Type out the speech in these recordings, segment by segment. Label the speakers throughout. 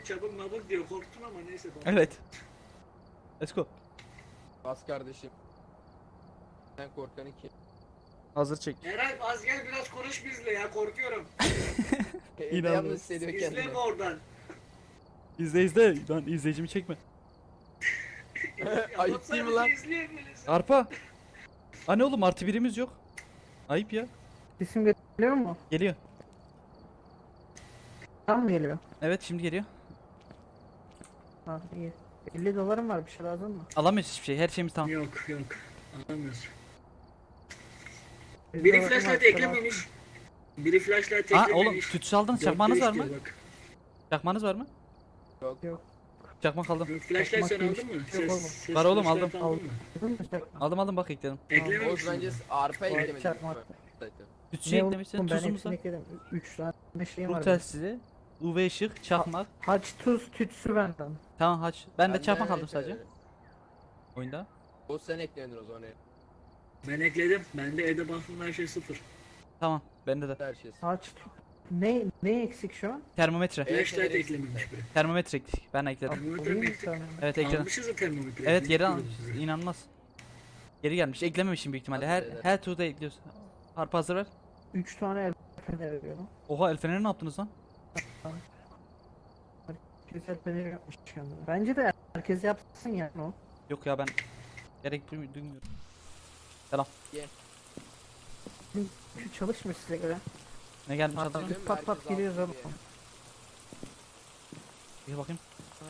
Speaker 1: çabuk mabuk diyor. Korktun ama neyse.
Speaker 2: Evet. Let's go.
Speaker 3: Bas kardeşim. Sen korkanı kim?
Speaker 2: Hazır çek.
Speaker 1: Eray az gel biraz konuş bizle ya korkuyorum.
Speaker 3: Evde
Speaker 2: İnanılmaz.
Speaker 3: yalnız hissediyor
Speaker 1: İzleme
Speaker 3: kendini.
Speaker 1: oradan.
Speaker 2: İzle. Lan izleyicimi çekme.
Speaker 3: Ayıp değil mi lan?
Speaker 1: İzleyebiliriz.
Speaker 2: Arpa. Anne oğlum artı birimiz yok. Ayıp ya.
Speaker 4: İsim geliyor mu?
Speaker 2: Geliyor.
Speaker 4: Tam mı geliyor?
Speaker 2: Evet şimdi geliyor.
Speaker 4: Ha iyi. 50 dolarım var, bir şey lazım mı?
Speaker 2: Alamıyoruz hiçbir şey. Her şeyimiz tamam.
Speaker 1: Yok. Anlamıyoruz.
Speaker 4: 50
Speaker 1: Biri
Speaker 4: dolarım var,
Speaker 1: flashlight
Speaker 4: bir şey lazım.
Speaker 1: eklememiş. Biri flashlight
Speaker 2: Aa
Speaker 1: eklememiş.
Speaker 2: oğlum tütsü aldınız.
Speaker 1: Dörtte
Speaker 2: Çakmağınız
Speaker 1: üç
Speaker 2: var mı?
Speaker 1: diyor bak.
Speaker 2: Çakmağınız var mı?
Speaker 3: Yok.
Speaker 4: Yok.
Speaker 2: Çakmak aldım.
Speaker 1: Yok, flashlight sen
Speaker 4: Çakmak
Speaker 1: aldın mı?
Speaker 4: yok oğlum.
Speaker 1: Ses
Speaker 2: Var oğlum,
Speaker 1: flashlight
Speaker 2: aldım.
Speaker 1: aldın mı?
Speaker 4: Aldın mı çakma?
Speaker 2: Aldım bak ekledim.
Speaker 3: Oğuz
Speaker 1: Eklememişsin.
Speaker 3: bence arpa eklemedi.
Speaker 4: Çakmak.
Speaker 2: Tütsü eklemişsin.
Speaker 4: oğlum, ben
Speaker 2: Tuzumuz
Speaker 4: hepsini
Speaker 2: var.
Speaker 4: ekledim. 3 tane şeyim
Speaker 2: Ruh
Speaker 4: var. benim.
Speaker 2: telsizi. UV ışık. Çakmak.
Speaker 4: Haç, tuz, tütsü benden.
Speaker 2: Tamam haç. Ben de çakmak aldım sadece. Oyunda.
Speaker 3: Oğuz sen ekledin o zaman.
Speaker 1: Ben ekledim. Bende evde baktım her şey sıfır.
Speaker 2: Tamam. Bende de.
Speaker 3: Her şey.
Speaker 4: Haç, ne eksik şu an?
Speaker 2: Termometre.
Speaker 1: Flashlight
Speaker 3: evet,
Speaker 1: eklememiş biri.
Speaker 2: Termometre ekledik. Ben ekledim.
Speaker 1: Termometre
Speaker 4: Alayım
Speaker 1: mi
Speaker 4: bir
Speaker 1: ekledik?
Speaker 4: tane.
Speaker 2: Evet ekledim.
Speaker 1: Almışız da termometre.
Speaker 2: Evet geri
Speaker 1: Ekledik
Speaker 2: almış.
Speaker 1: diyoruz.
Speaker 2: İnanılmaz. Geri gelmiş. Eklememişim büyük ihtimalle.
Speaker 3: Hadi beyler.
Speaker 2: Her turda ekliyorsun. Harpa hazır ver.
Speaker 4: 3 tane el feneri veriyorum.
Speaker 2: Oha el feneri ne yaptınız lan?
Speaker 4: Herkes el feneri yapmış kendine. Bence de herkes yapsın yani o.
Speaker 2: Yok ya ben gerek duymuyorum.
Speaker 4: Şu çalışmıyor size göre.
Speaker 2: Ne gelmiş
Speaker 4: Hatta
Speaker 2: adam?
Speaker 3: Değil mi?
Speaker 4: pat pat
Speaker 3: Herkes
Speaker 4: giriyoruz
Speaker 3: alsın
Speaker 4: oğlum.
Speaker 3: diye.
Speaker 2: Bir bakayım.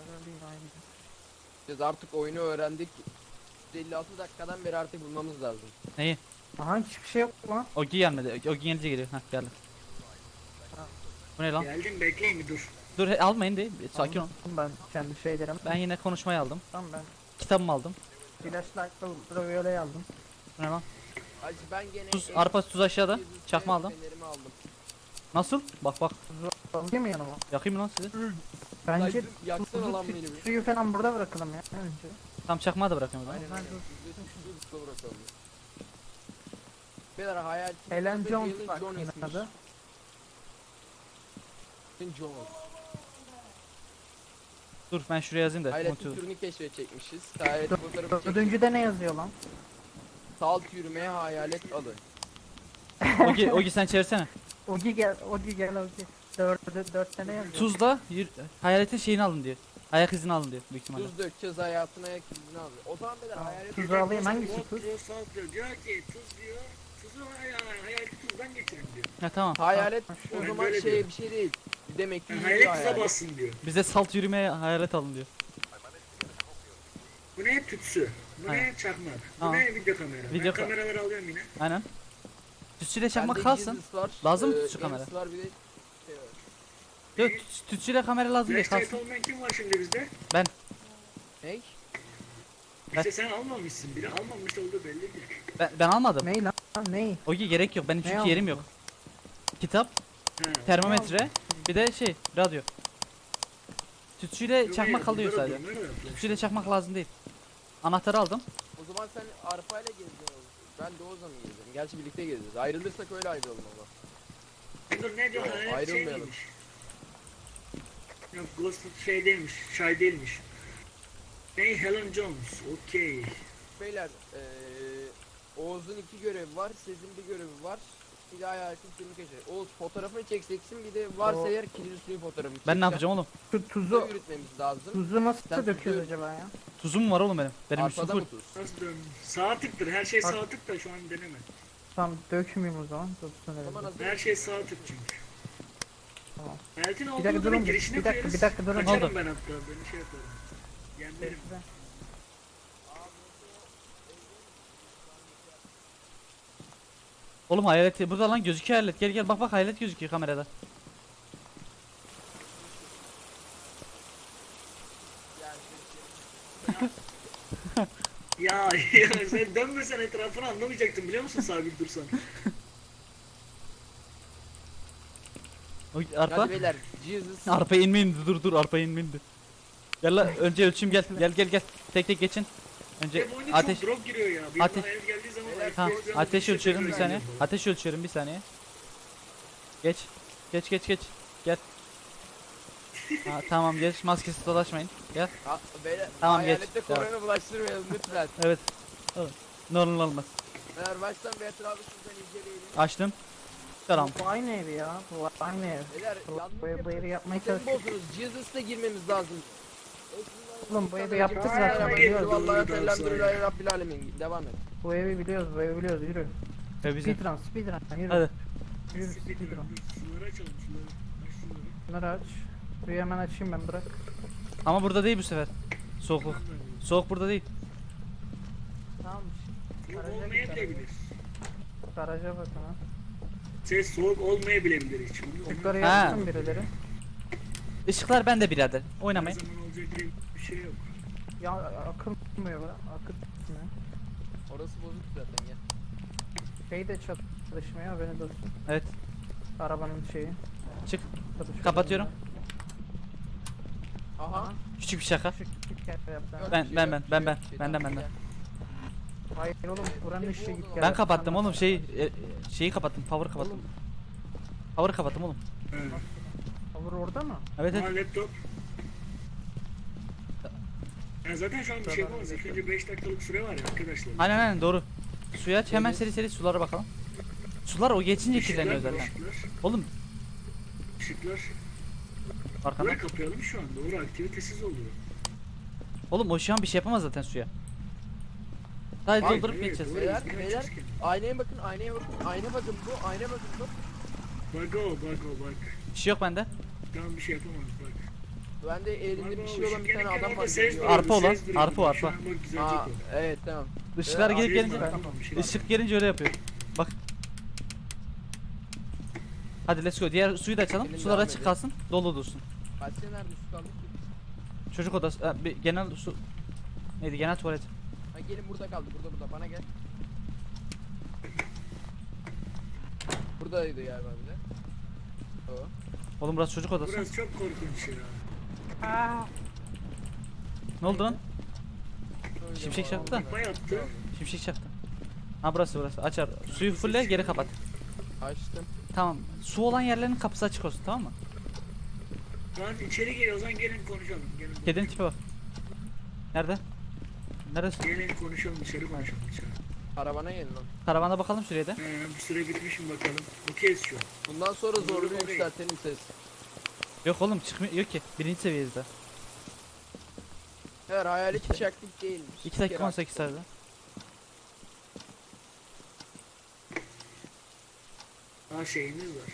Speaker 3: Biz artık oyunu öğrendik. 56 dakikadan beri artık bulmamız lazım.
Speaker 2: Neyi?
Speaker 4: Aha hiçbir şey yok lan.
Speaker 2: Ogi gelmedi. Ogi gelince geliyor. Hah geldi. Bu ne lan?
Speaker 1: Geldim bekleyin bir dur.
Speaker 2: Dur almayın değil. Sakin ol.
Speaker 4: Aldım ben kendi şeylerim.
Speaker 2: Ben yine konuşmayı aldım.
Speaker 4: Tamam ben
Speaker 2: Kitabımı aldım.
Speaker 4: flashlight'la ultraviyole aldım.
Speaker 2: Bu ne lan?
Speaker 3: Hacı ben gene
Speaker 2: Tuz, arpa tuz aşağıda.
Speaker 3: Jesus
Speaker 2: Çakma aldım.
Speaker 3: fenerimi aldım.
Speaker 2: Nasıl? Bak.
Speaker 4: Alayım mı yanıma?
Speaker 2: Yakayım mı lan sizi?
Speaker 4: Bence
Speaker 3: Yaksana
Speaker 4: tuzu,
Speaker 3: lan beni bir.
Speaker 4: suyu falan burada bırakalım ya önce.
Speaker 2: Tam çakmağı da bırakıyorum o zaman.
Speaker 3: Aynen
Speaker 4: Ben
Speaker 3: aynen. Tuzu bırakalım. Beyler hayal.
Speaker 4: Helen
Speaker 3: Tuzu
Speaker 4: Jones
Speaker 3: Helen
Speaker 4: bak
Speaker 3: Jones
Speaker 4: yine
Speaker 3: ismiş.
Speaker 4: adı.
Speaker 3: Helen Jones.
Speaker 2: Dur ben şuraya yazayım da.
Speaker 3: Hayaletin
Speaker 2: Motiv-
Speaker 3: türünü keşfedecekmişiz. Hayalet fotoğrafı çektik.
Speaker 4: Dördüncüde ne yazıyor lan?
Speaker 3: Salt yürümeye hayalet alın.
Speaker 2: Ogi sen çevirsene.
Speaker 4: Ogi gel Ogi. Dört tane yazıyor.
Speaker 2: Tuzla hayaletin şeyini alın diyor. Ayak izini alın diyor büyük ihtimalle.
Speaker 3: Tuz dökeceğiz hayatına ayak izini alıyor. O zaman beyler
Speaker 4: Tamam.
Speaker 3: hayalet
Speaker 4: Tuzu alayım hangisi
Speaker 1: Yok
Speaker 4: tuz?
Speaker 1: diyor salt diyor. Diyor ki tuz diyor. Tuzu hayaleti tuzdan getirin diyor.
Speaker 2: Ha tamam.
Speaker 3: hayalet o
Speaker 1: Ben
Speaker 3: zaman
Speaker 1: böyle
Speaker 3: şey
Speaker 1: diyorum.
Speaker 3: bir şey değil. Demek ki
Speaker 1: Yani
Speaker 3: yürüyor
Speaker 1: hayalet tuza
Speaker 3: hayalet.
Speaker 1: bassın diyor.
Speaker 2: Bize salt yürümeye hayalet alın diyor.
Speaker 1: Bu ne tütsü? Bu ne çakmak? Bu
Speaker 2: Tamam.
Speaker 1: ne video kamera?
Speaker 2: Video
Speaker 1: Ben
Speaker 2: ka-
Speaker 1: kameraları alıyorum yine.
Speaker 2: Aynen. Tütsüyle çakmak
Speaker 3: Bende
Speaker 2: kalsın.
Speaker 3: Jesus var.
Speaker 2: Lazım mı tütsü
Speaker 3: Lens
Speaker 2: kamera?
Speaker 3: var bir de şey var.
Speaker 2: Yok tütsüyle kamera lazım diye
Speaker 1: Flashlight
Speaker 2: kalsın.
Speaker 1: olmayan kim var şimdi bizde?
Speaker 3: Ney?
Speaker 1: İşte sen almamışsın. Biri almamış olduğu belli değil.
Speaker 2: Ben almadım.
Speaker 4: Ney lan? Ney?
Speaker 2: Ogi gerek yok. Benim çünkü
Speaker 4: aldın?
Speaker 2: yerim yok. Kitap,
Speaker 1: Ha.
Speaker 2: termometre, bir de şey radyo. Tütsüyle
Speaker 1: Yok,
Speaker 2: çakmak
Speaker 1: hayır,
Speaker 2: kalıyor
Speaker 1: bunları
Speaker 2: sadece.
Speaker 1: bunları da yapıyor.
Speaker 2: Tütsüyle çakmak lazım değil. Anahtarı aldım.
Speaker 3: O zaman sen arpayla gezeceksin oğlum. Ben de Oğuz'la mı gezeceğim? Gerçi birlikte gezeceğiz. Ayrılırsak öyle ayrılalım ama.
Speaker 1: Dur ne diyor?
Speaker 3: Yok,
Speaker 1: Hayalet şey
Speaker 3: ayrılmayalım.
Speaker 1: miymiş? Yok Ghost şey değilmiş. Şay değilmiş. Hey Helen Jones. Okey.
Speaker 3: Beyler Oğuz'un 2 görevi var. Sezin bir görevi var. Bir de hayaletin türünü keşfet. Oğuz fotoğrafını çekeceksin. Bir de varsa
Speaker 4: O-
Speaker 3: eğer kilidi suyu fotoğrafını
Speaker 2: Ben
Speaker 3: çekeceksin.
Speaker 2: ne yapacağım oğlum?
Speaker 4: Şu
Speaker 3: Tuzu
Speaker 4: tuzu
Speaker 3: yürütmemiz lazım.
Speaker 4: tuzu nasıl
Speaker 3: Sen
Speaker 4: döküyoruz
Speaker 3: tuzu-
Speaker 4: acaba ya?
Speaker 2: Tuzum var oğlum benim. Benim üstüm
Speaker 3: Arpada
Speaker 2: full.
Speaker 3: mı tuz?
Speaker 1: Nasıl dön? Sağ tıktır. Her şey
Speaker 4: Bak.
Speaker 1: sağ tık da şu an deneme.
Speaker 4: Tamam dökmeyeyim o zaman. Dursun
Speaker 3: O zaman
Speaker 4: öyle.
Speaker 3: hazır
Speaker 1: Her
Speaker 3: mısın?
Speaker 1: şey sağ tık çünkü.
Speaker 4: Tamam.
Speaker 1: Hayaletin
Speaker 4: Bir
Speaker 1: olduğu
Speaker 4: dakika
Speaker 1: odanın
Speaker 4: durun
Speaker 1: girişine
Speaker 4: bir dakika
Speaker 1: koyarız.
Speaker 4: bir dakika durun.
Speaker 1: Kaçarım
Speaker 2: Oldu.
Speaker 1: ben hatta. Beni şey yaparım. Yenmerim.
Speaker 2: Oğlum hayalet burada lan gözüküyor hayalet. Gel bak hayalet gözüküyor kamerada.
Speaker 1: Ya sen dönmesen etrafını anlamayacaktın biliyor musun sabit dursan.
Speaker 2: Arpa.
Speaker 3: Hadi beyler Jesus.
Speaker 2: Arpa inmeyin dur arpa inmeyin. Gel la önce ölçüm gel. Gel. Tek geçin. Önce
Speaker 1: Hep oyuna
Speaker 2: ateş.
Speaker 1: çok drop giriyor ya. Bir
Speaker 2: Ateş-
Speaker 1: anda hayal geldiği zaman
Speaker 3: Evet,
Speaker 2: Ha,
Speaker 1: FPS
Speaker 2: ateş
Speaker 1: şey
Speaker 2: ölçüyorum bir
Speaker 1: tekrar
Speaker 2: saniye.
Speaker 1: geliyor.
Speaker 2: Ateş ölçüyorum bir saniye. Geç. Gel. Ha, tamam geç, maskesiz dolaşmayın. Gel.
Speaker 3: Ha, beyler,
Speaker 2: Tamam, geç.
Speaker 3: hayalette korona bulaştırmayalım lütfen.
Speaker 2: Evet. Evet. Ne olur ne olmaz.
Speaker 3: Beyler baştan bir etrafı sizden inceleyelim.
Speaker 2: Açtım. Selam.
Speaker 4: Bu aynı ev ya. Bu aynı ev.
Speaker 3: Beyler yanlış
Speaker 4: Bu evi
Speaker 3: yapıyorsunuz.
Speaker 4: yapmaya
Speaker 3: Sistemi
Speaker 4: çalıştık.
Speaker 3: bozdunuz. Jesus''la girmemiz lazım.
Speaker 4: Oğlum bu evi yaptık
Speaker 1: zaten,
Speaker 3: zaten.
Speaker 1: biliyoruz.
Speaker 3: Vallahi elhamdülillahi rabbil alemin. Devam et.
Speaker 4: Bu evi biliyoruz, bu evi biliyoruz. Yürü.
Speaker 2: Ve bize.
Speaker 4: Speedrun, yürü.
Speaker 2: Hadi.
Speaker 4: Yürü
Speaker 1: Speedrun.
Speaker 4: speedrun.
Speaker 1: Suları açalım suları. Aç suları.
Speaker 4: Bunları aç. Suyu hemen açayım ben, bırak.
Speaker 2: Ama burada değil bu sefer. Soğukluk. Soğuk burada değil.
Speaker 4: Tamam.
Speaker 1: Soğuk
Speaker 4: Garaja git,
Speaker 1: olmayabilir.
Speaker 4: Garaja bakın ha.
Speaker 1: Ses soğuk olmayabilir hiç.
Speaker 4: Yukarı
Speaker 2: Ha.
Speaker 4: yapsın birileri.
Speaker 2: Işıklar bende birader.
Speaker 1: Her
Speaker 2: Oynamayın.
Speaker 1: zaman olacak diye bir şey yok.
Speaker 4: Ya akılmıyor be. Akıtmıyor.
Speaker 3: Orası bozuk zaten ya.
Speaker 4: Şey de çalışmıyor, haberin olsun.
Speaker 2: Evet.
Speaker 4: Arabanın şeyi.
Speaker 2: Çık.
Speaker 4: çalışıyor.
Speaker 2: Kapatıyorum.
Speaker 3: Aha.
Speaker 2: Küçük bir şaka.
Speaker 4: Küçük yer yaptı.
Speaker 3: Yok,
Speaker 2: Ben-
Speaker 3: bir şey
Speaker 2: ben-
Speaker 3: yok,
Speaker 2: ben-
Speaker 3: bir
Speaker 2: ben-
Speaker 3: şey
Speaker 2: ben-
Speaker 3: yok, bir şey
Speaker 2: benden-
Speaker 3: yok.
Speaker 2: benden.
Speaker 4: Hayır oğlum, buranın ışığı git gel.
Speaker 2: Ben kapattım oğlum şeyi kapattım. Power'ı kapattım. Power'ı kapattım oğlum.
Speaker 1: Evet.
Speaker 4: Olur orada mı?
Speaker 2: Evet
Speaker 1: Ama
Speaker 2: evet.
Speaker 1: laptop. Ya zaten şu an bir şey yapamaz. İlk önce 5 dakikalık süre var ya arkadaşlar.
Speaker 2: Aynen aynen doğru. Suyu aç hemen
Speaker 3: Evet.
Speaker 2: seri seri sulara bakalım. Sular o geçince kirleniyor zaten.
Speaker 1: Işıklar.
Speaker 2: Oğlum
Speaker 1: Işıklar.
Speaker 2: arkanda.
Speaker 1: Burayı kapayalım şu an. Doğru aktivitesiz oluyor.
Speaker 2: Oğlum o şu an bir şey yapamaz zaten suya. Sadece
Speaker 3: Hayır,
Speaker 2: doldurup
Speaker 1: Evet,
Speaker 2: geçeceğiz.
Speaker 1: doğru.
Speaker 3: Beyler,
Speaker 1: Biz
Speaker 3: beyler.
Speaker 1: geçeceğiz ki.
Speaker 3: Aynaya bakın, aynaya bakın, aynaya bakın bu, aynaya bakın bu.
Speaker 1: Bak o bak o bak.
Speaker 2: Bir şey yok bende.
Speaker 1: Tamam bir şey yapamaz bak.
Speaker 3: Bende elinde
Speaker 1: Bak
Speaker 3: bir
Speaker 1: o
Speaker 3: şey olan bir
Speaker 1: ışık
Speaker 3: tane
Speaker 1: yanırken
Speaker 3: adam
Speaker 1: orada
Speaker 3: var.
Speaker 1: ses
Speaker 3: geliyor.
Speaker 1: duruyordu,
Speaker 2: Arpa olan,
Speaker 1: ses duruyordu.
Speaker 2: arpa o,
Speaker 1: Şu
Speaker 2: arpa.
Speaker 1: an bak düzelecek
Speaker 3: Aa,
Speaker 1: o.
Speaker 3: evet tamam.
Speaker 2: Işıklar
Speaker 3: Evet,
Speaker 2: gelip
Speaker 1: Ses
Speaker 2: gelince
Speaker 1: var, tamam, bir şey var.
Speaker 2: ışık gelince öyle yapıyor. Bak. Hadi let's go. Diğer suyu da açalım.
Speaker 3: Gelin,
Speaker 2: Sular
Speaker 3: devam
Speaker 2: açık
Speaker 3: edelim.
Speaker 2: kalsın. Dolu dursun.
Speaker 3: Kaç sene nerede su kaldı ki?
Speaker 2: Çocuk odası. Bir genel su. Neydi? Genel tuvalet.
Speaker 3: Ha gelin burada kaldı, burada bana gel. Buradaydı galiba bir de. O.
Speaker 2: Oğlum burası çocuk odası.
Speaker 1: Burası çok korkunç ya.
Speaker 2: Ne oldu lan?
Speaker 3: Öyle
Speaker 2: Şimşek
Speaker 3: var,
Speaker 2: çaktı da.
Speaker 3: oldu.
Speaker 1: Arpa yaptı.
Speaker 2: Şimşek çaktı. Ha burası. Açar. Suyu fulle geri kapat.
Speaker 3: Açtım.
Speaker 2: Tamam. Su olan yerlerin kapısı açık olsun, tamam mı?
Speaker 1: Lan içeri gel o zaman gelin konuşalım. Gelin,
Speaker 2: Kedinin tipe bak. Nerede? Neresi?
Speaker 1: gelin konuşalım dışarı konuşalım dışarı.
Speaker 3: Arabana gelin lan.
Speaker 2: Karavana bakalım şuraya da.
Speaker 1: Bir süre bitmiş mi bakalım. Okeyiz şu an.
Speaker 3: Bundan sonra zorlu
Speaker 1: Oraya.
Speaker 3: yükseltelim ses.
Speaker 2: Yok oğlum çıkmıyor. Yok ki. Birinci seviyeyiz daha.
Speaker 3: Her hayalet bıçaklık değilmiş.
Speaker 2: 2 dakika 18 saniye.
Speaker 1: Daha şeyimiz var.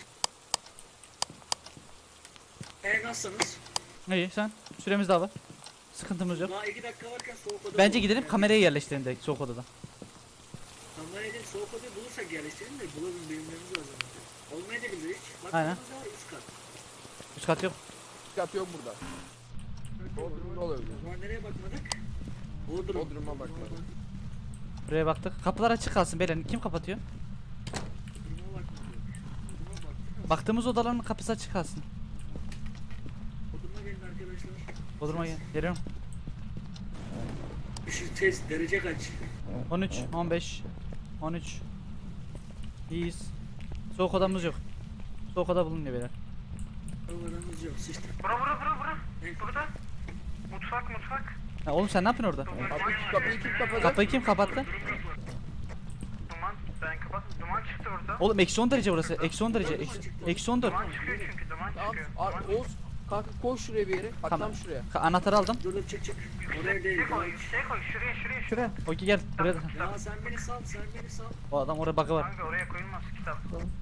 Speaker 1: Nasılsınız?
Speaker 2: İyi sen. Süremiz daha var. Sıkıntımız yok.
Speaker 1: Daha 2 dakika varken soğuk oda
Speaker 2: Bence
Speaker 1: bulalım.
Speaker 2: gidelim
Speaker 1: Yani
Speaker 2: kamerayı yerleştirelim direkt soğuk odada.
Speaker 1: Kamerayı değil soğuk odayı bulursak yerleştirelim de bulalım bilimlerimiz lazım. Olmayabilir hiç. Bak
Speaker 2: Aynen.
Speaker 1: burada üst kat.
Speaker 2: Üst kat yok.
Speaker 3: Kat yok burada. Bodrum'da olabilir.
Speaker 1: O zaman nereye bakmadık? Bodrum.
Speaker 3: Bodrum'a bakmadık.
Speaker 2: Buraya baktık. Kapılar açık kalsın beyler. Kim kapatıyor?
Speaker 1: Bodrum'a bakmadık. Bodrum'a baktık.
Speaker 2: Baktığımız odaların kapısı açık kalsın.
Speaker 1: Bodrum'a gelin arkadaşlar.
Speaker 2: Bodrum'a gel. Geliyorum.
Speaker 1: Şu test derece kaç?
Speaker 2: 13, 15, 13. İyiyiz. Soğuk odamız yok. Soğuk oda bulunuyor beyler.
Speaker 1: Havalarımız yok sıçtı.
Speaker 5: Bura.
Speaker 1: Ne?
Speaker 5: Burada. Mutfak.
Speaker 2: Ha, oğlum sen ne yapıyorsun orada?
Speaker 3: Kapıyı kim kapadı?
Speaker 2: Kapıyı kim kapattı?
Speaker 5: Duman. Ben kapattım. Duman çıktı orada.
Speaker 2: Oğlum eksi 10 derece burası. Eksi 10 derece. Eksi 14.
Speaker 5: Duman çıkıyor çünkü. Duman
Speaker 3: Tamam.
Speaker 5: çıkıyor.
Speaker 3: Oğuz kanka koş şuraya bir yere. Bak
Speaker 2: Tamam.
Speaker 3: tam şuraya.
Speaker 2: Anahtarı aldım.
Speaker 1: Dur dur çık. Oraya değil.
Speaker 5: Şey koy.
Speaker 1: daha-
Speaker 5: Şey koy. Şuraya.
Speaker 4: Şuraya.
Speaker 2: Okey gel. Buraya da.
Speaker 1: Ya sen beni sal.
Speaker 2: O adam orada bug'ı var.
Speaker 5: Kanka oraya koyulmaz kitap.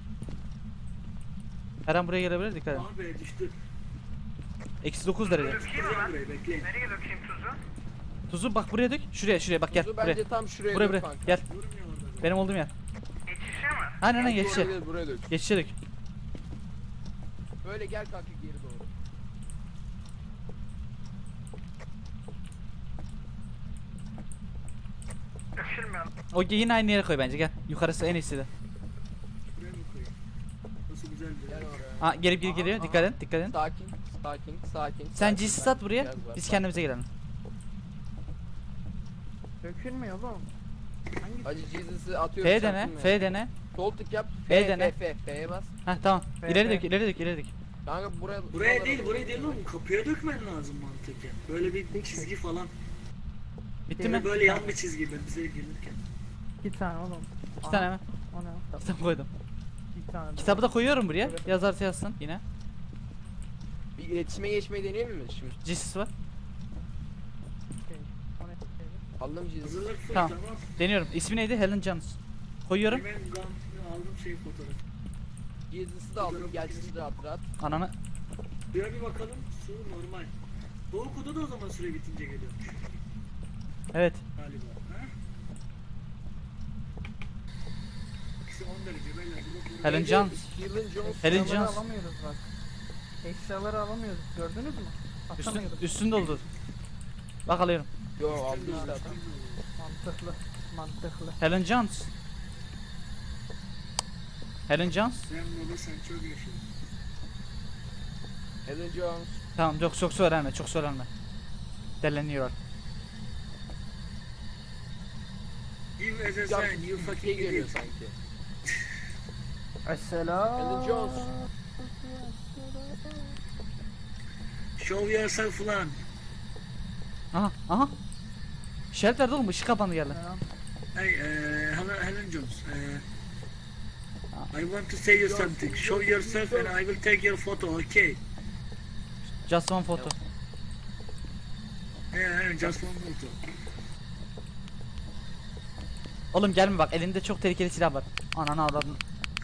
Speaker 2: Her an buraya gelebilir, dikkat edin.
Speaker 1: Ah be düştü.
Speaker 2: Eksi 9 derece.
Speaker 5: Dökeyim mi
Speaker 1: Kıracağım
Speaker 5: ben?
Speaker 1: burayı bekleyin.
Speaker 5: Nereye dökeyim tuzu?
Speaker 2: Tuzu bak buraya dök. Şuraya bak gel.
Speaker 3: Tuzu
Speaker 2: Buraya.
Speaker 3: bence tam şuraya
Speaker 2: Buraya
Speaker 3: dök
Speaker 2: buraya.
Speaker 3: kanka.
Speaker 2: Gel.
Speaker 1: Durmuyor orada.
Speaker 2: Benim olduğum yer.
Speaker 5: Geçişe mi?
Speaker 2: Aynen
Speaker 3: Bence
Speaker 2: geçişe.
Speaker 3: oraya değil, buraya dök.
Speaker 2: Geçişe dök.
Speaker 3: Böyle gel kanka geri doğru.
Speaker 5: Dökülmüyor.
Speaker 2: Okey yine aynı yere koy bence gel. Yukarısı en iyisi de.
Speaker 1: Buraya mı koyayım? Nasıl güzel bir
Speaker 3: Gel
Speaker 1: yer.
Speaker 3: oraya.
Speaker 2: Ha gelip geri geliyor. Dikkat edin. Dikkat edin.
Speaker 3: Sakin.
Speaker 2: Sen
Speaker 3: sakin,
Speaker 2: GC sat buraya.
Speaker 3: Biraz var,
Speaker 2: Biz
Speaker 3: sakin.
Speaker 2: kendimize gelelim.
Speaker 4: Dökülmüyor oğlum. Hangi?
Speaker 3: Hacı Jesus'ı atıyoruz.
Speaker 2: F dene.
Speaker 3: çarptın mı?
Speaker 2: F dene.
Speaker 3: Sol tık yap.
Speaker 2: F dene.
Speaker 3: F'ye bas.
Speaker 2: Heh tamam.
Speaker 4: F,
Speaker 2: İleri
Speaker 4: F.
Speaker 2: dök. İleri dök. İleri dök.
Speaker 3: Kanka
Speaker 1: Buraya değil oğlum. Kapıya dökmen lazım mantıken. Böyle bir çizgi falan.
Speaker 2: Bitti mi?
Speaker 1: Böyle yan bir çizgi bize gelirken.
Speaker 4: 2 tane oğlum.
Speaker 2: İki tane mi?
Speaker 4: O ne?
Speaker 2: Kitap koydum.
Speaker 4: 2 tane.
Speaker 2: Kitabı da koyuyorum buraya. Yazarsa yazsın yine.
Speaker 3: bir iletişime geçmeyi deneyelim mi şimdi?
Speaker 2: Jesus var.
Speaker 4: Okey. O ne?
Speaker 3: Aldım cihazı.
Speaker 1: Hazırlık full
Speaker 2: Tamam.
Speaker 1: tamam.
Speaker 2: Deniyorum. İsmi neydi? Helen Jones. Koyuyorum.
Speaker 1: Hemen aldım fotoğrafı.
Speaker 3: Cihazısı da aldım. Gelsin rahat rahat.
Speaker 2: Ananı.
Speaker 1: Bir bakalım su normal. Soğuk oda da o zaman süre bitince geliyormuş
Speaker 2: Evet.
Speaker 1: galiba. Ha? Eksi 10 derece beyler.
Speaker 2: Helen Jones.
Speaker 3: Helen Jones.
Speaker 2: Helen
Speaker 4: Eşyaları
Speaker 2: Jones.
Speaker 4: alamıyoruz bak. Eşyaları alamıyoruz. Gördünüz mü? Atamıyoruz.
Speaker 2: Üstün doldur. Bak alıyorum.
Speaker 3: Yo aldı işte adam.
Speaker 4: Mantıklı. Mantıklı.
Speaker 2: Helen Jones. Helen Jones.
Speaker 1: Sen baba sen çok yaşadın.
Speaker 3: Helen Jones.
Speaker 2: Tamam çok söylenme. Çok söylenme. Deleniyor.
Speaker 1: Give as a
Speaker 3: Ya
Speaker 1: sign you
Speaker 3: şey
Speaker 1: fucking
Speaker 3: geliyor
Speaker 1: idiot.
Speaker 3: sanki.
Speaker 4: Esselam.
Speaker 3: Helen Jones.
Speaker 1: Show yourself lan.
Speaker 2: Aha. Shelter'da oğlum ışık kapandı geldi.
Speaker 4: Selam.
Speaker 1: Hey, Helen Jones. I want to say you something. Show yourself and I will take your photo, okay?
Speaker 2: Just one photo.
Speaker 1: Yeah, just one photo.
Speaker 2: Oğlum gelme bak elinde çok tehlikeli silah var. Ananı avradın.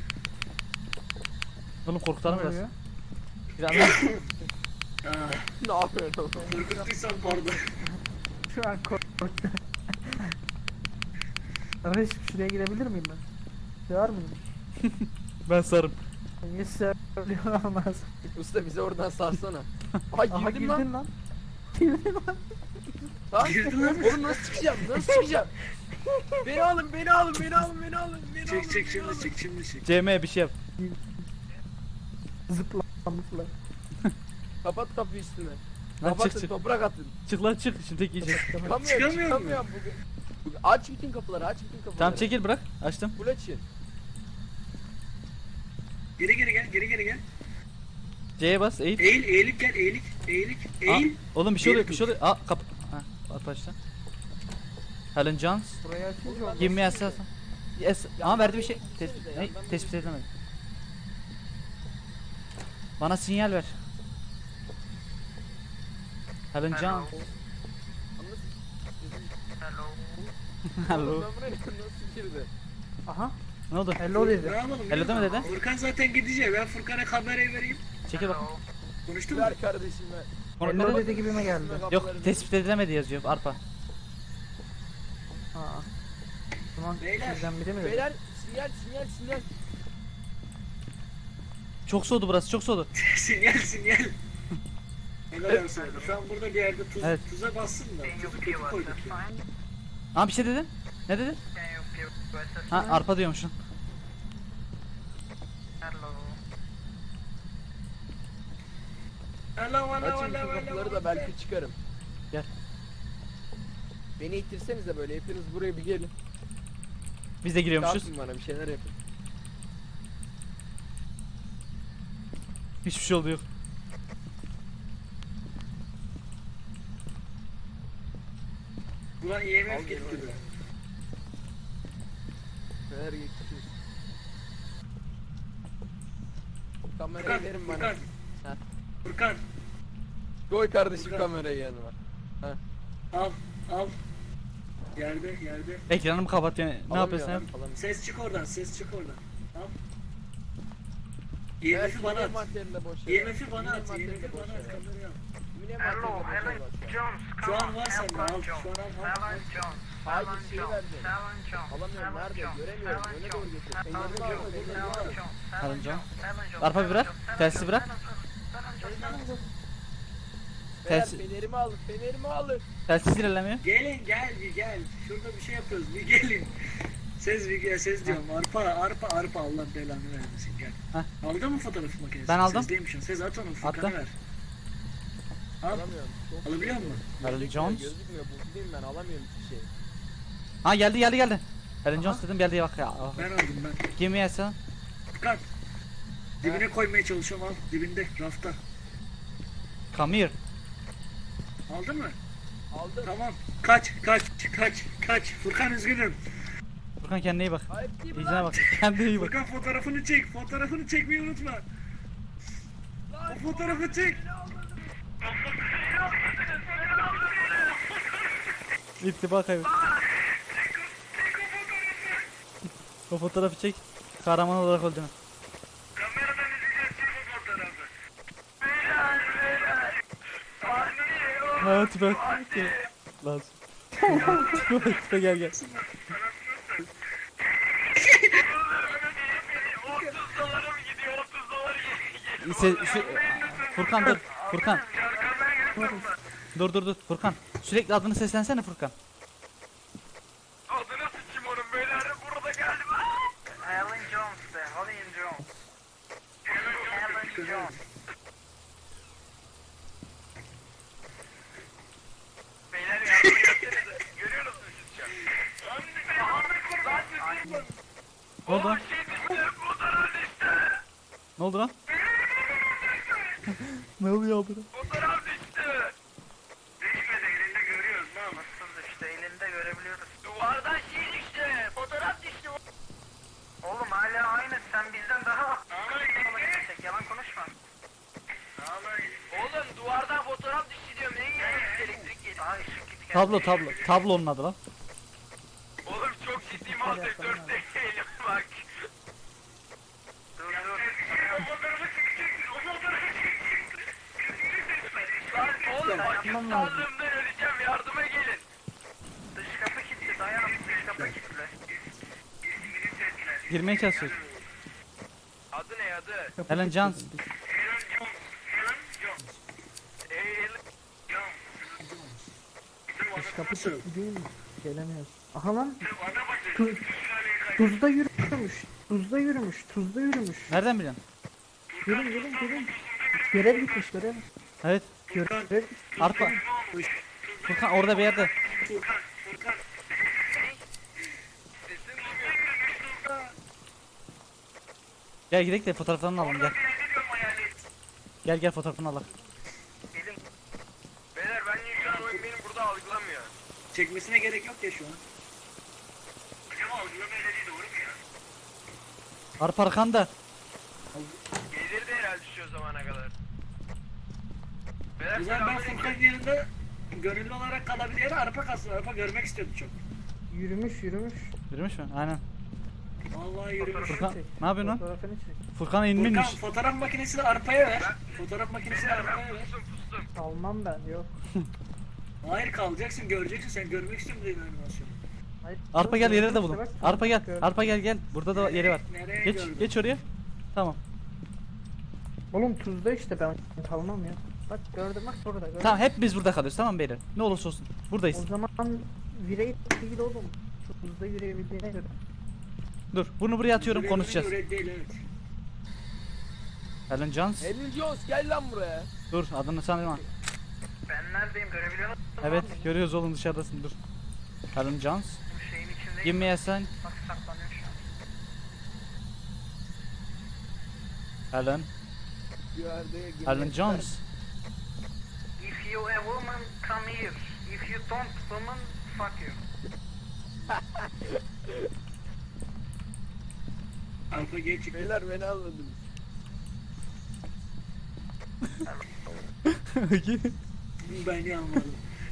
Speaker 2: Oğlum korkutalım biraz.
Speaker 4: Oluyor.
Speaker 2: Biraz daha.
Speaker 1: Ah,
Speaker 3: Ne yapıyorsun oğlum?
Speaker 1: korkuttuysam pardon.
Speaker 4: Şu an korktum. Reis şuraya girebilir miyim ben? Sığar mıyım?
Speaker 2: Ben sarım.
Speaker 4: Niye söylüyor olmaz?
Speaker 3: Usta bize oradan sarsana. Ay
Speaker 4: Aha
Speaker 3: girdim lan.
Speaker 4: girdin lan. Girdin lan.
Speaker 3: Ha?
Speaker 1: Girdin lan.
Speaker 3: Oğlum nasıl çıkacağım? Nasıl çıkacağım? Beni alın.
Speaker 1: Çık şimdi.
Speaker 2: CM bir şey yap.
Speaker 4: Zıpla zıpla.
Speaker 3: Kapat kapıyı üstüne.
Speaker 2: Lan
Speaker 3: Kapatın
Speaker 2: çık.
Speaker 3: toprak atın.
Speaker 2: Çık lan çık. Şimdi tek yiyeceğiz.
Speaker 1: Çıkamıyor mu?
Speaker 3: Bugün. Aç bütün kapıları
Speaker 2: Tamam çekil bırak. Açtım.
Speaker 3: Full açın.
Speaker 1: Geri gel.
Speaker 2: C'ye bas eğil.
Speaker 1: Eğilip gel, eğilik. Eğil.
Speaker 2: Oğlum bir şey oluyor
Speaker 1: Eğil
Speaker 2: bir şey oluyor. Aa kap. Ha at başla. Helen Jones.
Speaker 4: Burayı açınca olmaz.
Speaker 2: Give me a cell. Yes. Ama verdi bir şey.
Speaker 3: Yandan
Speaker 2: Ne?
Speaker 3: bir
Speaker 2: Tespit edilemedi. Bana sinyal ver. Helen Jones.
Speaker 5: Hello.
Speaker 2: Hello.
Speaker 3: Ben buraya nasıl girdi?
Speaker 4: Aha.
Speaker 2: Ne oldu?
Speaker 4: Hello
Speaker 1: Ne
Speaker 4: dedi.
Speaker 1: yapalım?
Speaker 2: Hello deme dedi.
Speaker 1: Furkan zaten gidecek. Ben Furkan'a kamerayı vereyim.
Speaker 2: Çekil bak.
Speaker 5: Hello.
Speaker 1: Konuştun mu?
Speaker 3: Ver kardeşim ver.
Speaker 2: Onu
Speaker 4: Hello
Speaker 2: nerede?
Speaker 4: dedi gibime geldi.
Speaker 2: Yok tespit edilemedi yazıyor arpa.
Speaker 4: Aa. Tamam
Speaker 1: Beyler.
Speaker 4: sizden biri mi dedi?
Speaker 3: Beyler sinyal.
Speaker 2: Çok soğudu burası çok soğudu.
Speaker 1: sinyal. Ne kadar olsun. Şu an burada bir yerde
Speaker 2: Evet.
Speaker 1: tuza bassın da.
Speaker 5: Can you
Speaker 1: Tuzu
Speaker 5: give
Speaker 1: kötü
Speaker 5: us a
Speaker 1: koyduk ya.
Speaker 5: sign?
Speaker 2: Aa bir şey dedi. Ne dedi?
Speaker 5: Can you give us a
Speaker 2: Ha
Speaker 5: sign?
Speaker 2: arpa diyormuşum.
Speaker 5: Hello.
Speaker 1: Hello.
Speaker 3: Açın şu kapıları da belki çıkarım.
Speaker 2: Gel.
Speaker 3: Beni ittirsenize böyle hepiniz buraya bir gelin.
Speaker 2: Biz de giriyormuşuz.
Speaker 3: Dağıtın bana bir şeyler yapın.
Speaker 2: Hiçbir şey oldu yok.
Speaker 1: Ulan
Speaker 3: Al
Speaker 1: IMF
Speaker 3: gel,
Speaker 1: gitti
Speaker 3: al.
Speaker 1: be.
Speaker 3: Neler geçiyoruz. Kamerayı
Speaker 1: Furkan,
Speaker 3: verin bana.
Speaker 1: Furkan.
Speaker 3: Ha.
Speaker 1: Furkan.
Speaker 3: Koy kardeşim
Speaker 1: Furkan.
Speaker 3: kamerayı yanıma.
Speaker 1: Al. Yerde.
Speaker 2: Ekranımı kapat yani. Ne yapıyorsun yap?
Speaker 1: Ses çık oradan. Al.
Speaker 3: Ver
Speaker 1: IMF'i bana at.
Speaker 3: materyalinde boş
Speaker 1: IMF'i bana at. IMF'i bana at. Kamerayı al.
Speaker 5: Hello, Helen Jones.
Speaker 1: Şu
Speaker 5: Come
Speaker 1: an
Speaker 5: on,
Speaker 1: var sende,
Speaker 5: Helen
Speaker 1: al.
Speaker 5: Jones.
Speaker 1: Şu an al.
Speaker 5: Helen Jones.
Speaker 3: Hayır,
Speaker 5: Helen
Speaker 3: şeyi
Speaker 5: Jones.
Speaker 3: verdim.
Speaker 5: Helen Jones.
Speaker 3: Alamıyorum,
Speaker 5: Helen
Speaker 3: nerede?
Speaker 5: Jones.
Speaker 3: Göremiyorum,
Speaker 5: Helen
Speaker 3: öne doğru
Speaker 5: Jones.
Speaker 3: getir.
Speaker 5: Helen
Speaker 3: Ellerini
Speaker 5: Jones.
Speaker 3: al, ellerini
Speaker 5: Helen
Speaker 3: al.
Speaker 5: Jones.
Speaker 2: Helen Jones.
Speaker 5: Helen Jones.
Speaker 2: Arpa
Speaker 5: Helen
Speaker 2: bırak,
Speaker 5: Jones.
Speaker 2: tersi
Speaker 5: Helen
Speaker 2: bırak.
Speaker 5: Jones. Helen Jones.
Speaker 3: Beyler
Speaker 2: Tersi-
Speaker 3: fenerimi alın.
Speaker 2: Telsiz ilerlemiyor.
Speaker 1: Gelin gel. Şurada bir şey yapıyoruz. Bir gelin. Ses diyorum. Arpa Allah belanı vermesin gel.
Speaker 2: Heh.
Speaker 1: Aldın mı fotoğraf makinesi?
Speaker 2: Ben aldım.
Speaker 1: Sezdeymişsin. Ses at onu Furkan'a
Speaker 2: Attım.
Speaker 1: ver. Al.
Speaker 3: Alamıyorum. Çok
Speaker 1: Alabiliyor
Speaker 3: gözükmüyor.
Speaker 1: musun?
Speaker 2: Helen
Speaker 3: Gözükmüyor,
Speaker 2: Jones.
Speaker 3: Gözükmüyor. Bu bileyim ben alamıyorum hiçbir şey.
Speaker 2: Ha geldi. Helen Jones dedim geldi bak ya.
Speaker 1: Ben aldım ben.
Speaker 2: Give me a cell.
Speaker 1: Furkan. Dibine koymaya çalışıyorum al. Dibinde rafta.
Speaker 2: Come here.
Speaker 1: Aldın mı?
Speaker 3: Aldım.
Speaker 1: Tamam. Kaç. Furkan üzgünüm.
Speaker 2: Furkan kendine iyi bak.
Speaker 3: Ayıp değil mi
Speaker 2: İyicine
Speaker 3: lan?
Speaker 2: bak. Kendine iyi bak.
Speaker 1: Furkan fotoğrafını çek. Fotoğrafını çekmeyi unutma. O fotoğrafı çek.
Speaker 2: İttiba kaybet. O fotoğrafı çek. Kahraman olarak öldün.
Speaker 1: Kameradan izleyeceğiz bu fotoğrafı.
Speaker 2: Ha tipe. Lazım. Tipe gel gel. Furkan dur. Furkan. Dur. Furkan. Sürekli adını seslensene Furkan.
Speaker 5: Adını sıçayım onun beyler burada galiba. Alan Jones de. Alan Jones. Alan Jones. Beyler yardım etsenize. Görüyorsunuz siz şu an.
Speaker 2: Ne oldu lan?
Speaker 5: Şey düştü. Fotoğraf düştü.
Speaker 2: Ne oldu lan? Ne oluyor abi?
Speaker 5: Fotoğraf düştü. Düşmedi elinde görüyoruz. Nasıl düştü elinde görebiliyoruz. Duvardan şey düştü. Fotoğraf düştü. Oğlum hala aynı sen bizden daha yalan konuşma. Oğlum duvardan fotoğraf düştü diyorum. Neyin yanına elektrik geliyor. Aa ışık gitti.
Speaker 2: Tablo onun adı lan.
Speaker 5: Oğlum çok ciddi mal sektör değilim bak. Dur. O fotoğrafı çekeceksin. O fotoğrafı çekeceksin. Lan oğlum bak sağlığımdan öleceğim yardıma gelin. Dış kapı kilitli dayan dış kapı kilitli.
Speaker 2: Girmeye çalışıyor.
Speaker 5: Adı ne adı?
Speaker 2: Alan Jones.
Speaker 4: Dış kapı kilitli değil mi? Gelemiyoruz. Aha lan. Tuzda yürümüş. Tuzda yürümüş.
Speaker 2: Nereden biliyorsun?
Speaker 4: Gelin. Görev gitmiş görev.
Speaker 2: Evet.
Speaker 4: Görev.
Speaker 2: Arpa. Furkan orada bir yerde. Gel gidelim de fotoğraflarını alalım gel. Gel fotoğrafını alalım.
Speaker 5: Beyler ben şu an oyun benim burada algılamıyor.
Speaker 1: Çekmesine gerek yok ya şu an.
Speaker 5: Hocam algılamıyor dediği doğru mu ya?
Speaker 2: Arpa arkanda.
Speaker 5: Gelir de herhalde şu zamana kadar. Beyler
Speaker 1: Güzel ben Furkan'ın yanında gönüllü olarak kalabilir arpa kalsın. Arpa görmek istiyordu çok.
Speaker 4: Yürümüş.
Speaker 2: Yürümüş mü? Aynen.
Speaker 1: Vallahi yürümüş.
Speaker 2: Furkan ne yapıyorsun lan?
Speaker 4: Fotoğrafını çek.
Speaker 2: Furkan
Speaker 1: Furkan
Speaker 2: inmiş.
Speaker 1: fotoğraf makinesini arpaya ver. Fotoğraf makinesini arpaya ver.
Speaker 5: pustum.
Speaker 4: Almam ben yok.
Speaker 1: Hayır kalacaksın göreceksin sen görmek istiyorum dedin animasyonu.
Speaker 4: Hayır,
Speaker 2: Arpa gel yere de bulun.
Speaker 4: İşte bak,
Speaker 2: Arpa gel.
Speaker 4: gördüm.
Speaker 2: Arpa gel. Burada da yeri var.
Speaker 1: Nereye
Speaker 2: Geç
Speaker 1: gördün?
Speaker 2: geç oraya. Tamam.
Speaker 4: Oğlum tuzda işte ben kalmam ya. Bak gördüm bak burada gördüm.
Speaker 2: Tamam hep biz burada kalıyoruz tamam mı beyler? Ne olursa olsun. Buradayız.
Speaker 4: O zaman virey değil oğlum. Tuzda yürüyebildiğine göre.
Speaker 2: Dur bunu buraya atıyorum
Speaker 1: Görevini
Speaker 2: konuşacağız.
Speaker 1: görev değil, evet.
Speaker 2: Alan Jones.
Speaker 3: Elin Jones gel lan buraya.
Speaker 2: Dur adını sanırım.
Speaker 5: Ben neredeyim görebiliyor musun?
Speaker 2: Evet görüyoruz oğlum dışarıdasın dur. Alan Jones.
Speaker 5: Bu şeyin içindeyim.
Speaker 2: Give me a sign.
Speaker 5: Bak saklanıyor şu an.
Speaker 2: Alan. Alan Jones.
Speaker 5: If you a woman come here. If you don't woman fuck you.
Speaker 1: Arpa geç çıktı.
Speaker 3: Beyler beni anladınız.
Speaker 1: Beni anladım.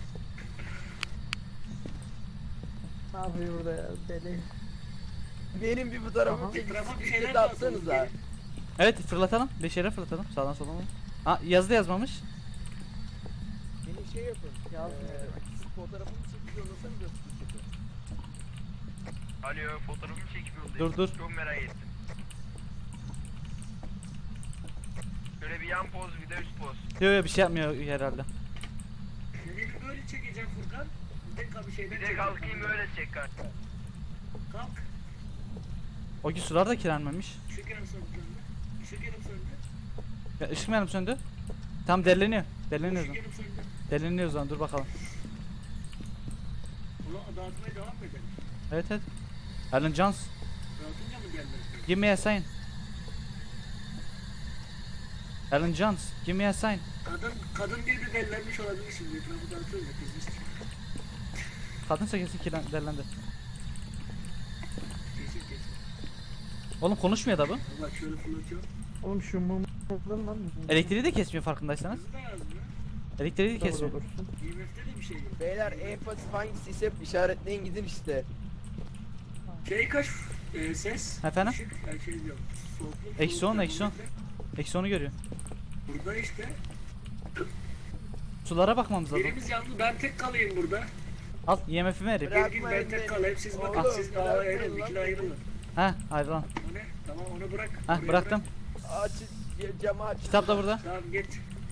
Speaker 4: Ne yapıyor burada ya deli.
Speaker 3: Benim bir fotoğrafımı
Speaker 4: Aha.
Speaker 3: çekip
Speaker 1: Etrafa bir şeyler
Speaker 3: şirkete atsanız ha.
Speaker 2: Evet fırlatalım. 5 yere fırlatalım. Sağdan soldan. Ha yazdı yazmamış.
Speaker 3: Beni şey yapın.
Speaker 4: Yazmıyor.
Speaker 3: Fotoğrafımı çekip yollasanız da şirkete.
Speaker 5: Alo fotoğrafımı çekip yollayayım.
Speaker 2: Dur.
Speaker 5: Çok merak ettim. Şöyle bir yan poz bir de üst poz.
Speaker 2: Yok bir şey yapmıyor herhalde.
Speaker 1: Seni bir böyle çekeceğim Furkan. Bir şeyden
Speaker 5: Bir de
Speaker 1: çekeceğim.
Speaker 5: kalkayım böyle çek karşı.
Speaker 1: Kalk.
Speaker 2: O gün sular da kirlenmemiş.
Speaker 1: Işık yanıp söndü. Işık yanıp söndü.
Speaker 2: Ya ışık mı yanıp söndü? Tam derleniyor. Derleniyor o
Speaker 1: Işık
Speaker 2: zaman.
Speaker 1: yanıp söndü.
Speaker 2: Derleniyor o zaman dur bakalım.
Speaker 1: Ulan dağıtmaya devam mı edelim?
Speaker 2: Evet. Alan Jones.
Speaker 1: Dağıtınca mı gelmez?
Speaker 2: Give me a sign. Alan Jones, give me a sign.
Speaker 1: Kadın diye de delilenmiş olabilir şimdi. Etrafı dağıtıyoruz ya kızmış.
Speaker 2: Kadınsa kesin derlendi.
Speaker 1: Kesin kesin.
Speaker 2: Oğlum konuşmuyor da bu.
Speaker 1: Bak şöyle fırlatıyor.
Speaker 4: Oğlum şu mumu lan.
Speaker 2: Elektriği de kesmiyor farkındaysanız.
Speaker 1: Hızlı da yazmıyor.
Speaker 2: Elektriği de
Speaker 4: Doğru
Speaker 2: kesmiyor.
Speaker 4: olursun.
Speaker 1: IMF'de de bir şey yok.
Speaker 3: Beyler en pasif hangisi ise işaretleyin gidin işte.
Speaker 1: Şey kaç ses?
Speaker 2: Efendim?
Speaker 1: Işık, yani şey diyorum. Soğukluk,
Speaker 2: Eksi on,
Speaker 1: soğuk
Speaker 2: eksi on.
Speaker 1: termometre.
Speaker 2: Eksi onu görüyor.
Speaker 1: Burada işte.
Speaker 2: Sulara bakmamız lazım.
Speaker 1: Birimiz yandı. Ben tek kalayım burada.
Speaker 2: Al IMF'imi vereyim.
Speaker 3: Bırak.
Speaker 1: Bir gün ben tek kalayım. Siz bakın.
Speaker 3: Oğlum,
Speaker 1: Siz
Speaker 3: bırak
Speaker 1: ayrılın.
Speaker 3: lan
Speaker 1: İkili
Speaker 3: beni.
Speaker 1: ayrılın.
Speaker 2: Ha ayrılan.
Speaker 1: O ne? Tamam onu bırak.
Speaker 2: Ha
Speaker 1: Oraya
Speaker 2: bıraktım.
Speaker 3: Aç camı aç.
Speaker 2: Kitap da burada.
Speaker 1: Bırak. Tamam git.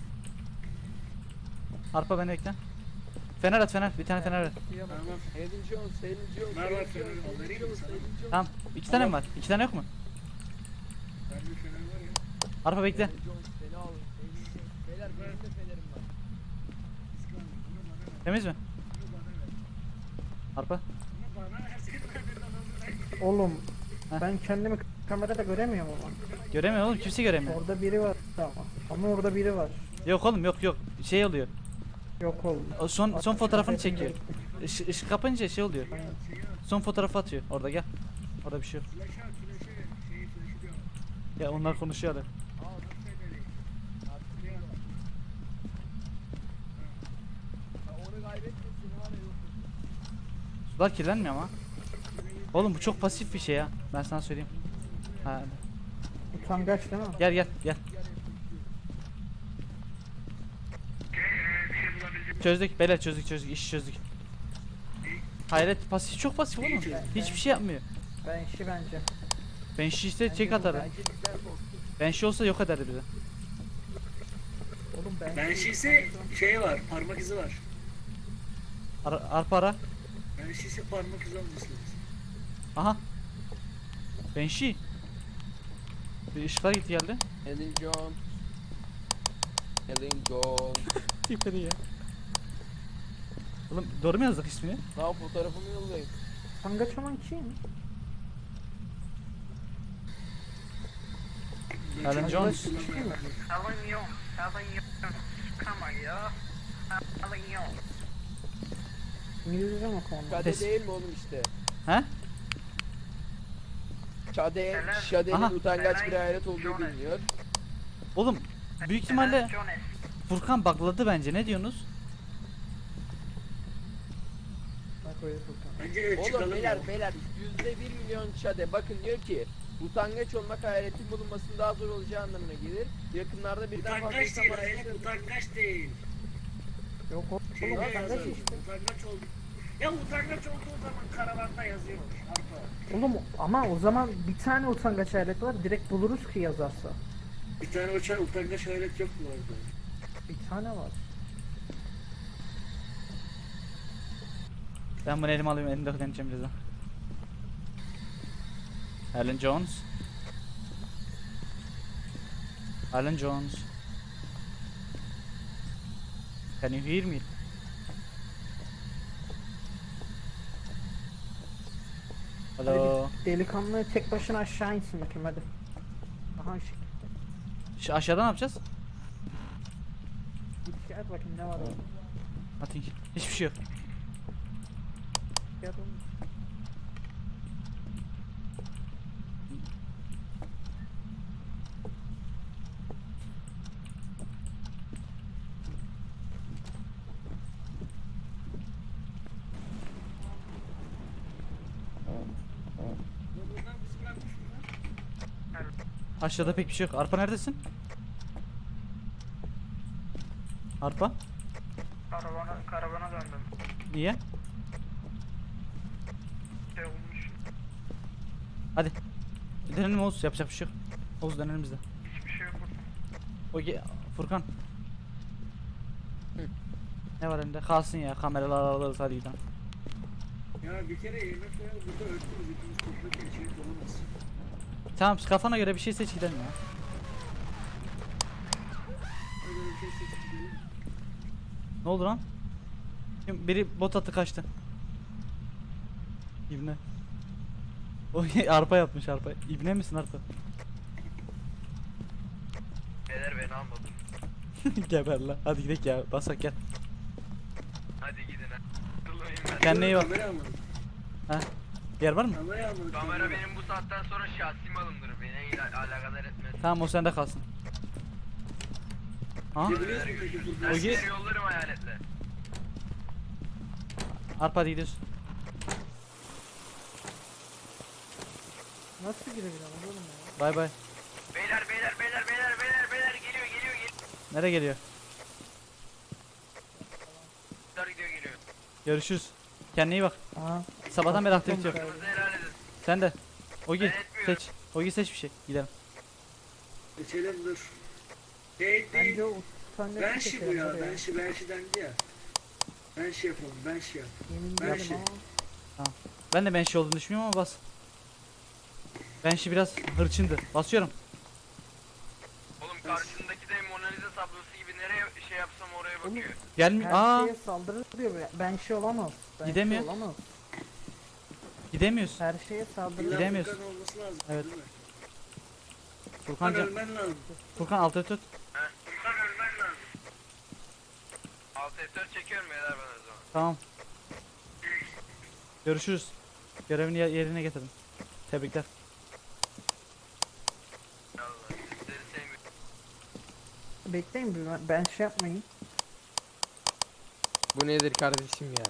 Speaker 2: Arpa beni ekle. Fener at fener. Bir tane fener at.
Speaker 1: Tamam.
Speaker 3: Hayden Jones, Hayden Jones,
Speaker 1: Ver
Speaker 3: Hayden
Speaker 1: bak
Speaker 3: Jones,
Speaker 1: fener,
Speaker 3: Hayden
Speaker 1: vereyim mi
Speaker 3: Jones,
Speaker 1: sana?
Speaker 3: Hayden Jones.
Speaker 2: Tamam. 2 tane mi var? 2 tane yok mu?
Speaker 1: Bende fener var ya.
Speaker 2: Arpa bekle.
Speaker 3: Hayden Jones, beni al. Hayden Jones. Beyler benim de fenerim var.
Speaker 1: İskan, bunu bana ver.
Speaker 2: Temiz mi?
Speaker 1: Bunu bana ver.
Speaker 2: Arpa.
Speaker 1: Bunu bana ver. Senin benden alın.
Speaker 4: Oğlum
Speaker 2: Heh.
Speaker 4: ben kendimi kamerada göremiyorum ama.
Speaker 2: Göremiyor oğlum. Kimse göremiyor.
Speaker 4: Orada biri var ama. Ama orada biri var.
Speaker 2: Yok oğlum yok. Şey oluyor.
Speaker 4: Yok oğlum.
Speaker 2: O son fotoğrafını çekiyor. Işık kapınca şey oluyor. Son fotoğrafı atıyor. Orada gel. Orada bir şey yok.
Speaker 1: Flaşa, flaşa ver. Şeyi flaşı diyorum.
Speaker 2: Ya onlar konuşuyor hadi.
Speaker 1: Al bak feneri.
Speaker 3: Artık onu kaybetmesin var ya yok.
Speaker 2: Sular kirlenmiyor ama. Oğlum bu çok pasif bir şey ya. Ben sana söyleyeyim. Ha,
Speaker 4: Utangaç değil mi?
Speaker 2: gel. Çözdük beyler çözdük işi çözdük. Hayret pasif çok pasif oğlum. Hiçbir şey yapmıyor.
Speaker 4: Ben işi bence.
Speaker 2: Ben işi işte çek atarım.
Speaker 3: Bence bizden korktu.
Speaker 2: Ben şey olsa yok ederdi bizi.
Speaker 4: Oğlum ben
Speaker 1: Ben şişe şey var. Parmak izi var.
Speaker 2: Arpa ara.
Speaker 1: Ben şişe parmak izi olması lazım.
Speaker 2: Aha. Benşi. Bir ışıklar gitti geldi.
Speaker 3: Hayden Jones. Hayden Jones.
Speaker 2: Tipleri ya. Oğlum doğru mu yazdık ismini?
Speaker 3: Daha fotoğrafımı yollayın.
Speaker 4: utangaç olan kim?
Speaker 2: Alan Jones.
Speaker 1: Kullanmaya
Speaker 4: Kim mi?
Speaker 1: bak.
Speaker 5: Alan Jones. Come on ya. Alan Jones.
Speaker 4: İngilizce mi konu?
Speaker 3: Şade
Speaker 2: Pes-
Speaker 3: değil mi oğlum işte?
Speaker 2: He?
Speaker 3: Şade'nin
Speaker 2: Aha.
Speaker 3: utangaç bir hayret olduğu biliniyor.
Speaker 2: Oğlum büyük ihtimalle
Speaker 5: Jones.
Speaker 2: Furkan bugladı bence. Ne diyorsunuz?
Speaker 4: Bak öyle Furkan.
Speaker 1: Bence evet
Speaker 3: Oğlum
Speaker 1: çıkalım
Speaker 3: beyler
Speaker 1: ya.
Speaker 3: beyler %1 milyon Şade bakın diyor ki utangaç olmak hayaletin bulunmasının daha zor olacağı anlamına gelir. Yakınlarda birden fazla
Speaker 1: Utangaç
Speaker 3: insan
Speaker 1: değil,
Speaker 3: var.
Speaker 1: hayret utangaç değil.
Speaker 4: Yok oğlum
Speaker 1: Şeyde
Speaker 4: utangaç
Speaker 1: yazıyor,
Speaker 4: işte.
Speaker 1: utangaç oldu. Ya utangaç olduğu zaman karavanda yazıyor. Arpa.
Speaker 4: Oğlum ama o zaman bir tane utangaç alet var. Direkt buluruz ki yazarsa.
Speaker 1: Bir tane utangaç hayret yok mu orada?
Speaker 4: Bir tane var.
Speaker 2: Ben bunu elime alayım. Elimde deneyeceğim birazdan. Alan Jones. Alan Jones. Can you hear me? Hello.
Speaker 4: Delikanlı tek başına aşağı insin bakayım hadi. Aha şey.
Speaker 2: Şu aşağıda ne yapacağız?
Speaker 4: Git şey at bakayım ne var orada.
Speaker 2: Nothing. Hiçbir şey yok.
Speaker 4: Şey at oğlum.
Speaker 1: Ya bunlar bizi bırakmış bunlar.
Speaker 2: Aşağıda pek bir şey yok. Arpa neredesin? Arpa?
Speaker 5: Karavana döndüm.
Speaker 2: Niye?
Speaker 5: Şey olmuş.
Speaker 2: Hadi. Dönelim Oğuz. Yapacak bir şey yok. Oğuz dönelim biz de.
Speaker 5: Hiçbir şey yok.
Speaker 2: Furkan.
Speaker 3: Hı.
Speaker 2: Ne var elinde? Kalsın ya. Kameralar alırız hadi gidelim.
Speaker 1: Ya bir kere yemek koyalım burada örtürüz hepimiz toplarken içeri dolamaz.
Speaker 2: Tamam kafana göre bir şey seç gidelim ya.
Speaker 1: Öyle bir şey seçip gidelim.
Speaker 2: Ne oldu lan? Biri bot attı kaçtı. İbne. O arpa yapmış arpa. İbne misin arpa?
Speaker 3: Beyler beni almadı.
Speaker 2: Geber lan. Hadi gidelim ya. Basak gel.
Speaker 3: Hadi gidin ha. Kırılmayın ben.
Speaker 2: Kendine iyi bak.
Speaker 1: Kamera almadım.
Speaker 2: Yer var mı?
Speaker 1: Kamera almadım.
Speaker 3: Kamera benim bu saatten sonra şahsi malımdır. Beni alakadar etmez.
Speaker 2: Tamam o sende kalsın. Ha?
Speaker 1: Ne biliyorsun peki Furkan?
Speaker 3: Ben
Speaker 2: Ogi-
Speaker 3: sizi yollarım hayaletle.
Speaker 2: Arpa hadi gidiyoruz.
Speaker 4: Nasıl girebilirim oğlum ya?
Speaker 2: Bay bay.
Speaker 3: Beyler geliyor.
Speaker 2: Nereye geliyor?
Speaker 3: Geliyor.
Speaker 2: Görüşürüz. Kendine iyi bak.
Speaker 4: Aha.
Speaker 2: Sabahtan beri aktivite yok.
Speaker 3: Kırmızı helal edin.
Speaker 2: Sen de. Ogi
Speaker 3: Ben etmiyorum.
Speaker 2: seç. Ogi seç bir şey. Gidelim.
Speaker 1: Geçelim dur. Değil.
Speaker 4: Bence o tane
Speaker 1: Ben şey bu ya. Ben şey dendi ya. Ben şey yapalım. Ben şey yap.
Speaker 4: Yemin
Speaker 1: ben
Speaker 4: ederim
Speaker 1: şey-
Speaker 4: ama.
Speaker 2: Ben de benşi olduğunu düşünmüyorum ama bas. Benşi biraz hırçındı. Basıyorum.
Speaker 3: Oğlum karşındaki de Mona Lisa tablosu gibi nereye şey yapsam oraya bakıyor.
Speaker 2: Gelmiyor.
Speaker 4: Her
Speaker 2: Aa,
Speaker 4: şeye saldırır diyor. Ben şey olamaz. Ben
Speaker 2: Gidemiyor.
Speaker 4: Şey olamaz.
Speaker 2: gidemiyoruz.
Speaker 4: Her şeye saldırır.
Speaker 1: İlla
Speaker 2: Gidemiyorsun.
Speaker 1: Furkan olması lazım.
Speaker 2: Evet.
Speaker 1: Değil mi?
Speaker 2: Furkan,
Speaker 1: Furkan ölmen lazım.
Speaker 2: Furkan altı tut.
Speaker 1: Furkan ölmen lazım.
Speaker 3: Alt F4 çekiyorum beyler ben o zaman.
Speaker 2: Tamam. Görüşürüz. Görevini yerine getirdim. Tebrikler.
Speaker 3: Allah sizleri sevmiyorum.
Speaker 4: Bekleyin bir ben şey yapmayın.
Speaker 3: Bu nedir kardeşim ya?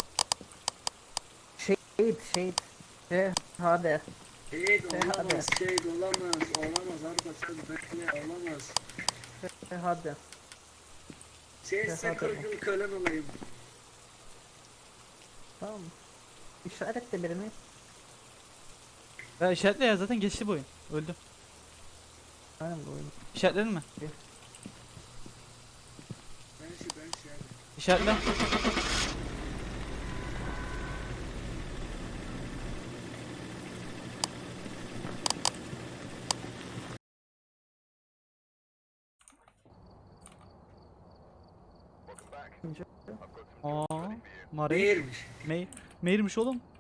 Speaker 4: Şehit. Hadi.
Speaker 1: Şehit
Speaker 4: Hadi.
Speaker 1: olamaz. Şehit olamaz. Olamaz. Arpa sen bekle. Olamaz.
Speaker 4: Hadi.
Speaker 1: Şehit sen
Speaker 4: Hadi.
Speaker 1: 40 yıl kölen olayım.
Speaker 4: Tamam. İşaretle birini.
Speaker 2: Ya işaretle ya zaten geçti bu oyun. Öldü.
Speaker 4: Aynen bu oyun.
Speaker 2: İşaretledin mi?
Speaker 1: Ben şey hadi.
Speaker 2: İşaretle. Aa, Mare.
Speaker 1: Değilmiş.
Speaker 2: Meyirmiş oğlum.